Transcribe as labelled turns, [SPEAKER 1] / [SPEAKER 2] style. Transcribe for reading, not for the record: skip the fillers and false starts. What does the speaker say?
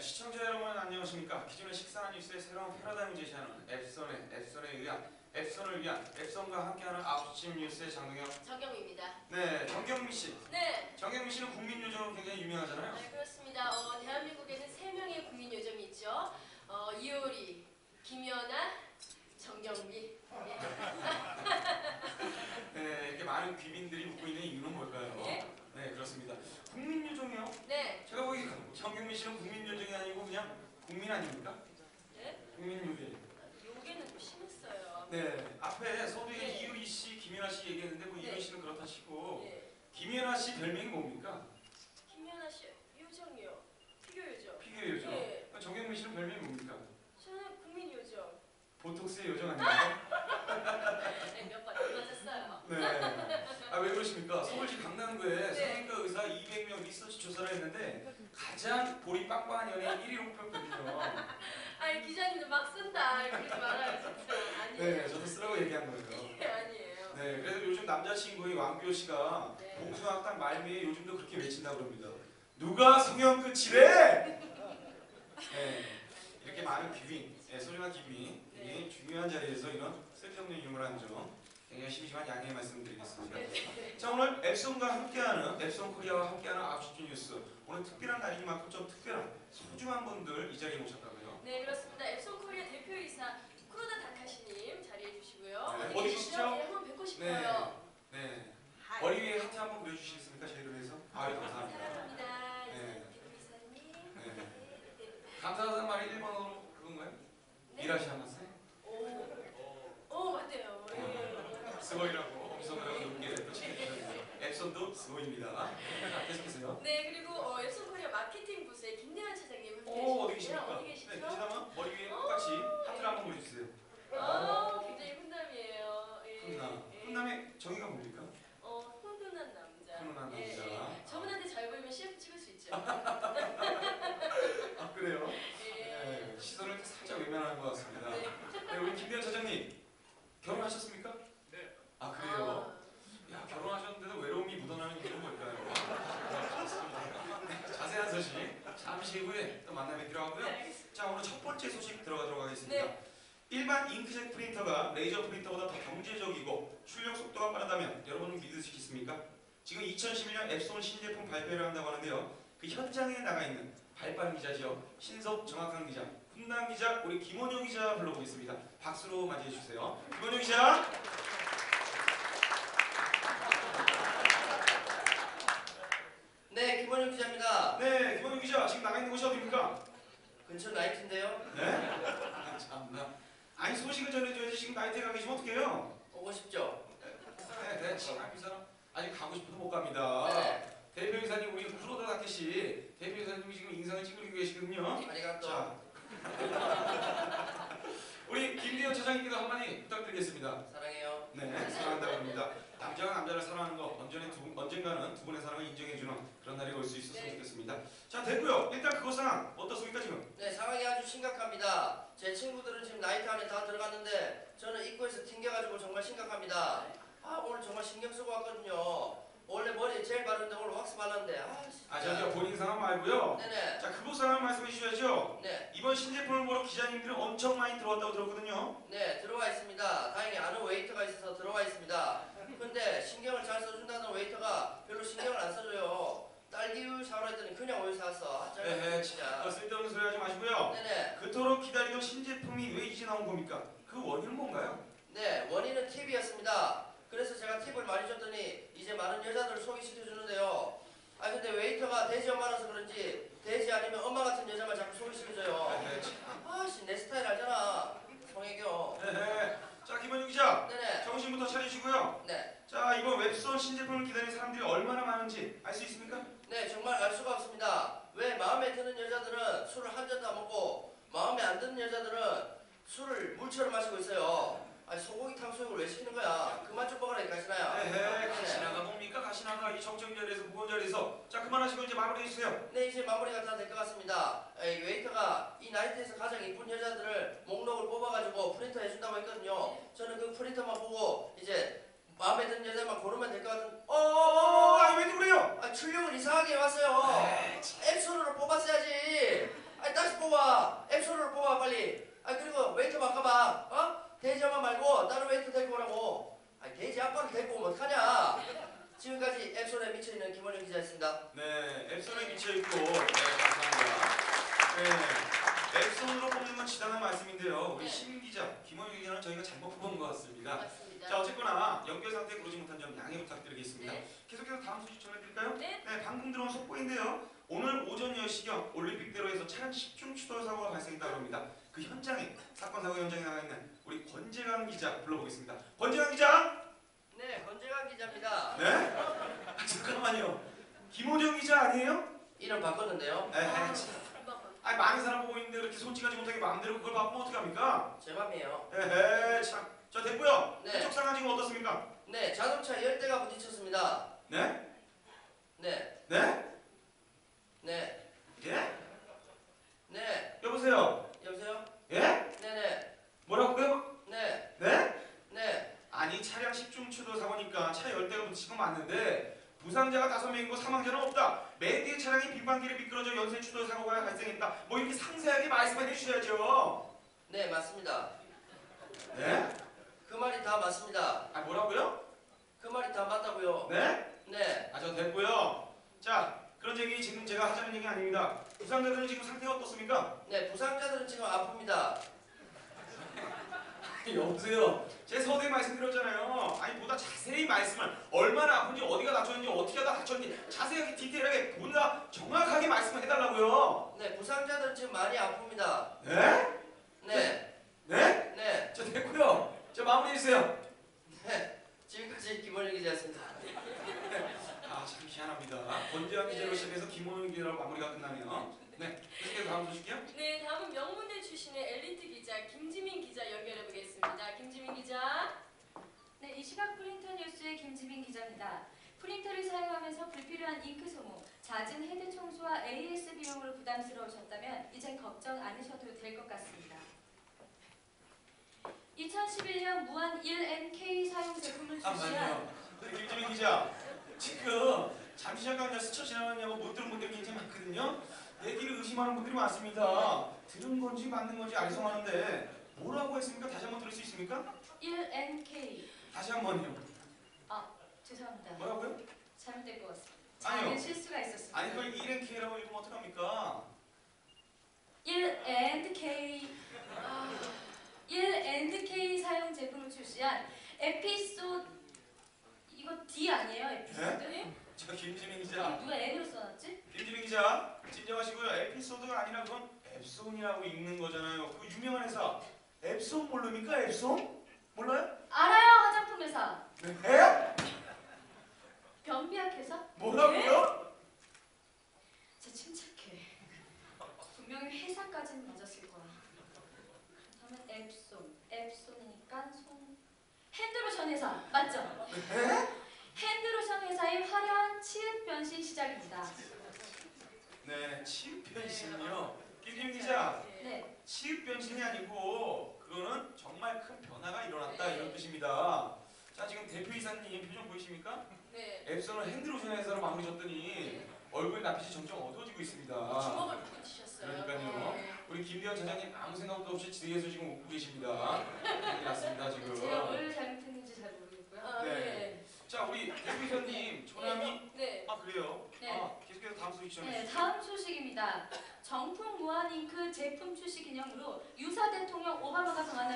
[SPEAKER 1] 시청자 여러분 안녕하십니까. 기존의 식사나 뉴스의 새로운 패러다임을 제시하는 앱선을 위한 앱선과 함께하는 9시 뉴스의 장동혁,
[SPEAKER 2] 정경미입니다.
[SPEAKER 1] 네, 정경미 씨.
[SPEAKER 2] 네.
[SPEAKER 1] 정경미 씨는 국민 요정으로 굉장히 유명하잖아요.
[SPEAKER 2] 네, 그렇습니다. 대한민국에는 3명의 국민 요정이 있죠. 이효리, 김연아, 정경미.
[SPEAKER 1] 네, 이렇게 많은 귀빈들이 묻고 있는 이유는 뭘까요?
[SPEAKER 2] 네?
[SPEAKER 1] 네, 그렇습니다. 국민 요정이요?
[SPEAKER 2] 네.
[SPEAKER 1] 제가 보기 정경미 씨는 국민 요정이 아니고 그냥 국민 아닙니까?
[SPEAKER 2] 네?
[SPEAKER 1] 국민 요정.
[SPEAKER 2] 요게는 좀 심했어요.
[SPEAKER 1] 네, 앞에 서두에
[SPEAKER 2] 네.
[SPEAKER 1] 이효리 씨, 김연아 씨 얘기했는데 뭐
[SPEAKER 2] 네.
[SPEAKER 1] 이효리 씨는 그렇다 치고
[SPEAKER 2] 네.
[SPEAKER 1] 김연아 씨 별명이 뭡니까?
[SPEAKER 2] 김연아 씨 요정이요. 피겨 요정.
[SPEAKER 1] 피겨 요정.
[SPEAKER 2] 네.
[SPEAKER 1] 정경미 씨는 별명이 뭡니까?
[SPEAKER 2] 저는 국민 요정.
[SPEAKER 1] 보톡스의 요정 아닙니까?
[SPEAKER 2] 네, 몇번 안 맞았어요.
[SPEAKER 1] 네. 아, 왜 그러십니까?
[SPEAKER 2] 네.
[SPEAKER 1] 서울시 강남구에
[SPEAKER 2] 네.
[SPEAKER 1] 성형외과 의사 200명 리서치 조사를 했는데 가장 볼이 빵빵한 연예인 1위로 뽑혔거든요.
[SPEAKER 2] 아니 기자님도 막 쓴다. 그러지 말아요 진짜. 아니에요.
[SPEAKER 1] 네, 저도 쓰라고 얘기한 거예요.
[SPEAKER 2] 네, 아니에요.
[SPEAKER 1] 네, 그래서 요즘 남자친구의 왕비호 씨가
[SPEAKER 2] 네.
[SPEAKER 1] 봉숭아학당 말미에 요즘도 그렇게 외친다고 합니다. 누가 성형 끝이래? 네, 이렇게 많은 귀빈, 네, 소중한 귀빈, 굉장히 중요한 자리에서 이런 쓸데없는 유머라는 점 굉장히 심심한 양해 말씀드리겠습니다. 자, 오늘 앱송과 함께하는 앱송 코리아와 함께하는 9시 뉴스, 오늘 특별한 날이니만큼 좀 특별한 소중한 분들 이 자리에 모셨다고요?
[SPEAKER 2] 네, 그렇습니다. 앱송 코리아 대표이사 쿠로다 다카시님 자리해 주시고요.
[SPEAKER 1] 네,
[SPEAKER 2] 어디
[SPEAKER 1] 어디
[SPEAKER 2] 계시죠?
[SPEAKER 1] 계시죠?
[SPEAKER 2] 네, 한번 뵙고 싶어요.
[SPEAKER 1] 네. 머리 위에 하트 한번 그려주시겠습니까? 저희를 위해서? 아, 예, 감사합니다.
[SPEAKER 2] 사랑합니다.
[SPEAKER 1] 네.
[SPEAKER 2] 대표이사님.
[SPEAKER 1] 네. 감사하다는 말이 일본어로 그건가요?
[SPEAKER 2] 네.
[SPEAKER 1] 이라시아마세?
[SPEAKER 2] 오, 맞대요. 예.
[SPEAKER 1] 스고이라고 엄성으로 높게 붙이셨는데 앱손도 스고입니다. 자, 계속해서요.
[SPEAKER 2] 네, 그리고 앱송 코리아 마케팅 부서의 김대환 차장님 함께
[SPEAKER 1] 오, 어디
[SPEAKER 2] 계시고요.
[SPEAKER 1] 계십니까?
[SPEAKER 2] 어디 계시죠?
[SPEAKER 1] 네, 계시다면 머리 위에 똑같이 하트를 한번 그려주세요.
[SPEAKER 2] 굉장히 훈남이에요. 예.
[SPEAKER 1] 훈남.
[SPEAKER 2] 예.
[SPEAKER 1] 훈남의 정의가 뭡니까?
[SPEAKER 2] 훈훈한 남자.
[SPEAKER 1] 훈훈한
[SPEAKER 2] 예,
[SPEAKER 1] 남자.
[SPEAKER 2] 예. 저분한테 잘 보이면 CF 찍을 수 있죠.
[SPEAKER 1] 아, 그래요?
[SPEAKER 2] 예.
[SPEAKER 1] 네, 시선을 살짝 외면하는 것 같습니다.
[SPEAKER 2] 네.
[SPEAKER 1] 네, 우리 김대현 차장님 결혼하셨습니까?
[SPEAKER 3] 네.
[SPEAKER 1] 아, 그래요? 야, 결혼하셨는데도 외로움이 묻어나는 이유는 뭘까요? 네, 자세한 소식 잠시 후에 또 만나 뵙기로 하고요.
[SPEAKER 2] 네, 알겠습니다.
[SPEAKER 1] 자, 오늘 첫 번째 소식 들어가도록 하겠습니다.
[SPEAKER 2] 네.
[SPEAKER 1] 일반 잉크젯 프린터가 레이저 프린터보다 더 경제적이고 출력 속도가 빠르다면 여러분은 믿으시겠습니까? 지금 2011년 앱손 신제품 발표를 한다고 하는데요. 그 현장에 나가 있는 발빠른 기자죠. 신속 정확한 기자, 훈남 기자, 우리 김원효 기자 불러보겠습니다. 박수로 맞이해 주세요. 김원효 기자.
[SPEAKER 4] 네, 김원영 기자입니다.
[SPEAKER 1] 네, 김원효 기자 지금 나가 있는 곳이 어디입니까?
[SPEAKER 4] 근처 나이트인데요.
[SPEAKER 1] 네? 아, 참나. 아니 소식을 전해줘야지 지금 나이트에 가 계시면 어떡해요?
[SPEAKER 4] 오고 싶죠?
[SPEAKER 1] 네, 지금 이 사람 아직 가고 싶어도 못 갑니다.
[SPEAKER 4] 네.
[SPEAKER 1] 대표이사님 우리 쿠로다 다케시 대표이사님이 지금 인상을 찌그리고 계시거든요.
[SPEAKER 4] 아리가또.
[SPEAKER 1] 자, 우리 김대현 차장님께도 한마디 부탁드리겠습니다.
[SPEAKER 4] 사랑해요.
[SPEAKER 1] 네, 사랑한다고 합니다. 남자가 남자를 사랑하는 거 언젠가는 두 분의 사랑을 인정해주는 그런 날이 올 수 있었으면 좋겠습니다. 자, 됐고요. 일단 그거 상황 어떻습니까 지금?
[SPEAKER 4] 네, 상황이 아주 심각합니다. 제 친구들은 지금 나이트 안에 다 들어갔는데 저는 입구에서 튕겨가지고 정말 심각합니다. 아, 오늘 정말 신경 쓰고 왔거든요. 원래 머리에 젤 바르는데 오늘 왁스 발랐는데
[SPEAKER 1] 아, 저 본인 상황 말고요.
[SPEAKER 4] 네네.
[SPEAKER 1] 자, 그거 상황 말씀해 주셔야죠.
[SPEAKER 4] 네,
[SPEAKER 1] 이번 신제품을 보러 기자님들은 엄청 많이 들어왔다고 들었거든요.
[SPEAKER 4] 네, 들어와 있습니다. 다행히 아는 웨이터가 있어서 들어와 있습니다. 근데 신경을 잘 써준다는 웨이터가 별로 신경을 안 써줘요. 딸기우유 사오라 했더니 그냥 우유 사왔어. 아,
[SPEAKER 1] 네,
[SPEAKER 4] 진짜.
[SPEAKER 1] 쓸데없는 소리 하지 마시고요.
[SPEAKER 4] 네네.
[SPEAKER 1] 그토록 기다리던 신제품이 왜 이제 나온 겁니까? 그 원인은 뭔가요?
[SPEAKER 4] 네, 원인은 팁이었습니다. 그래서 제가 팁을 많이 줬더니 이제 많은 여자들을 소개시켜주는데요. 아, 근데 웨이터가 돼지 엄마라서 그런지 돼지 아니면 엄마 같은 여자만 자꾸 소개시켜줘요.
[SPEAKER 1] 네,
[SPEAKER 4] 아씨, 내 스타일 알잖아. 송혜교.
[SPEAKER 1] 네. 자, 김원유 기자,
[SPEAKER 4] 네네.
[SPEAKER 1] 정신부터 차리시고요.
[SPEAKER 4] 네.
[SPEAKER 1] 자, 이번 웹선 신제품을 기다리는 사람들이 얼마나 많은지 알 수 있습니까?
[SPEAKER 4] 네, 정말 알 수가 없습니다. 왜 마음에 드는 여자들은 술을 한 잔도 안 먹고 마음에 안 드는 여자들은 술을 물처럼 마시고 있어요. 아니, 소고기 탕수육을 왜 시키는 거야? 그만 좀 먹으라, 이 가시나야.
[SPEAKER 1] 네, 가시나가 뭡니까? 가시나가 이 정적인 자리에서 무거운 자리에서. 자, 그만하시고 이제 마무리해 주세요.
[SPEAKER 4] 네, 이제 마무리가 다 될 것 같습니다. 웨이터가 이 나이트에서 가장 이쁜 여자들을 목록을 뽑아가지고 프린터 해준다고 했거든요. 저는 그 프린터만 보고 이제 마음에 드는 여자만 고르면 될 것 같은.
[SPEAKER 1] 아, 왜 그래요?
[SPEAKER 4] 출력을 이상하게 해왔어요.
[SPEAKER 1] 에이,
[SPEAKER 4] 앱손으로 뽑았어야지. 아니 다시 뽑아. 앱소를 뽑아 빨리. 아 그리고 웨이터 바꿔봐. 어? 돼지 엄마 말고 다른 웨이터 데리고 오라고. 아니 돼지 아빠를 데리고 오면 어떡하냐. 지금까지 앱솔에 미쳐있는 김원영 기자였습니다.
[SPEAKER 1] 네, 앱손에 미쳐있고 네, 감사합니다. 네, 앱손으로 뽑는 건 지당한 말씀인데요. 우리
[SPEAKER 2] 네.
[SPEAKER 1] 심 기자, 김원유 기자는 저희가 잘못 뽑은 것 같습니다.
[SPEAKER 2] 맞습니다.
[SPEAKER 1] 자, 어쨌거나 연결 상태에 그러지 못한 점 양해 부탁드리겠습니다.
[SPEAKER 2] 네.
[SPEAKER 1] 계속해서 다음 소식 전해드릴까요?
[SPEAKER 2] 네.
[SPEAKER 1] 네, 방금 들어온 속보인데요. 오늘 오전 10시경 올림픽대로에서 차량 10중 추돌 사고가 발생했다고 합니다. 그 현장에, 사건 사고 현장에 나가 있는 우리 권재강 기자 불러보겠습니다. 권재강 기자!
[SPEAKER 4] 네, 권재강 기자입니다.
[SPEAKER 1] 네? 아, 잠깐만요. 김호정 기자 아니에요?
[SPEAKER 4] 이름 바꿨는데요.
[SPEAKER 1] 에헤, 참. 아니 많은 사람 보고 있는데 그렇게 솔직하지 못하게 마음대로 그걸 바꾸면 어떡합니까?
[SPEAKER 4] 제 맘이에요.
[SPEAKER 1] 에헤, 참. 자, 됐고요.
[SPEAKER 4] 네.
[SPEAKER 1] 그쪽 상황 지금 어떻습니까?
[SPEAKER 4] 네, 자동차 10대가 부딪혔습니다.
[SPEAKER 1] 네?
[SPEAKER 4] 네,
[SPEAKER 1] 네?
[SPEAKER 4] 네,
[SPEAKER 1] 예?
[SPEAKER 4] 네.
[SPEAKER 1] 여보세요?
[SPEAKER 4] 여보세요?
[SPEAKER 1] 예?
[SPEAKER 4] 네네,
[SPEAKER 1] 뭐라고요?
[SPEAKER 4] 네,
[SPEAKER 1] 네?
[SPEAKER 4] 네.
[SPEAKER 1] 아니 차량 10중 추돌 사고니까 차 10대가 부딪힌 건 맞는데 부상자가 5명이고 사망자는 없다. 맨 뒤에 차량이 빙판길에 미끄러져 연쇄 추돌 사고가 발생했다. 뭐 이렇게 상세하게 말씀해 주셔야죠.
[SPEAKER 4] 네, 맞습니다.
[SPEAKER 1] 네?
[SPEAKER 4] 그 말이 다 맞습니다.
[SPEAKER 1] 아 뭐라고요?
[SPEAKER 4] 그 말이 다 맞다고요.
[SPEAKER 1] 네?
[SPEAKER 4] 네,
[SPEAKER 1] 아 저 됐고요. 자 그런 얘기 지금 제가 하자는 얘기 아닙니다. 부상자들은 지금 상태가 어떻습니까?
[SPEAKER 4] 네, 부상자들은 지금 아픕니다.
[SPEAKER 1] 여보세요. 제가 서두에 말씀드렸잖아요. 아니 보다 자세히 말씀을 얼마나 아픈지 어디가 다쳤는지 어떻게 하다 다쳤는지 자세하게 디테일하게 보다 정확하게 말씀을 해달라고요.
[SPEAKER 4] 네, 부상자들은 지금 많이 아픕니다.
[SPEAKER 1] 네?
[SPEAKER 4] 네,
[SPEAKER 1] 네?
[SPEAKER 4] 네,
[SPEAKER 1] 저 됐고요. 저 마무리해주세요.
[SPEAKER 4] 네. 지금까지 김원영 기자였습니다.
[SPEAKER 1] 아 참 희한합니다. 권재환 기자로 시작해서 김원영 기자로 마무리가 끝나네요. 네. 계속해서 다음 소식이요.
[SPEAKER 2] 네, 다음은 명문대 출신의 엘리트 기자 김지민 기자 연결해 보겠습니다. 김지민 기자.
[SPEAKER 3] 네, 이 시각 프린터 뉴스의 김지민 기자입니다. 프린터를 사용하면서 불필요한 잉크 소모, 잦은 헤드 청소와 AS 비용으로 부담스러우셨다면 이젠 걱정 않으셔도 될 것 같습니다. 2011년 무한 1NK 사용 제품을 출시한
[SPEAKER 1] 잠깐만요. 우리 김지민 기자. 지금 잠시 잠깐 그냥 스쳐 지나갔냐고 못 들은 분들이 굉장히 많거든요. 얘기를 의심하는 분들이 많습니다. 들은 건지 맞는 건지 알성하는데 뭐라고 했습니까? 다시 한번 들을 수 있습니까?
[SPEAKER 3] 1NK.
[SPEAKER 1] 다시 한번요.
[SPEAKER 3] 죄송합니다.
[SPEAKER 1] 뭐라고요?
[SPEAKER 3] 잘못된 것 같습니다.
[SPEAKER 1] 아니요.
[SPEAKER 3] 작은 실수가 있었습니다.
[SPEAKER 1] 아니 그걸 1NK라고 읽으면 어떡합니까?
[SPEAKER 3] 1&K 1&K 사용 제품을 출시한 에피소드 이거 D 아니에요? 에피소드?
[SPEAKER 2] 네?
[SPEAKER 1] 저 김지민 기자.
[SPEAKER 3] 누가 N으로 써놨지?
[SPEAKER 1] 김지민 기자 진정하시고요. 에피소드가 아니라 그건 앱손이라고 읽는 거잖아요. 그 유명한 회사 앱손 모릅니까? 앱손? 몰라요?
[SPEAKER 3] 알아요, 화장품 회사.
[SPEAKER 1] 네?
[SPEAKER 3] 변비약 회사?
[SPEAKER 1] 뭐라고요?
[SPEAKER 3] 제 침착해. 분명히 회사까지는 맞았을 거야. 그렇다면 앱손이니까 손. 핸드로션 회사 맞죠?
[SPEAKER 1] 네?
[SPEAKER 3] 핸드로션 회사의 화려한 치읓 변신 시작입니다.
[SPEAKER 1] 네, 치읓 변신이요. 김지민 기자,
[SPEAKER 3] 네,
[SPEAKER 1] 치읓 변신이 아니고 그거는 정말 큰 변화가 일어났다 이런 뜻입니다. 자, 지금 대표이사님 표정 보이십니까?
[SPEAKER 2] 네.
[SPEAKER 1] 앱손을 핸드로션 회사로 마무리 졌더니 얼굴 낯빛이 점점 어두워지고 있습니다.
[SPEAKER 2] 주먹을 붙이셨어요.
[SPEAKER 1] 그러니까요.
[SPEAKER 2] 네.
[SPEAKER 1] 우리 김대현 차장님 아무 생각도 없이 뒤에서 지금 웃고 계십니다. 난리 났습니다 지금.
[SPEAKER 3] 제가 뭘 잘못했는지 잘 모르겠고요.
[SPEAKER 2] 아,
[SPEAKER 1] 네.
[SPEAKER 2] 네.
[SPEAKER 1] 자, 우리 대표이사님 조남이
[SPEAKER 2] 네.
[SPEAKER 1] 아 그래요?
[SPEAKER 3] 네.
[SPEAKER 1] 아 계속해서 다음 소식 전해
[SPEAKER 3] 네,
[SPEAKER 1] 주시죠.
[SPEAKER 3] 다음 소식입니다. 정품 무한 잉크 제품 출시 기념으로 유사 대통령 오바마가 방한한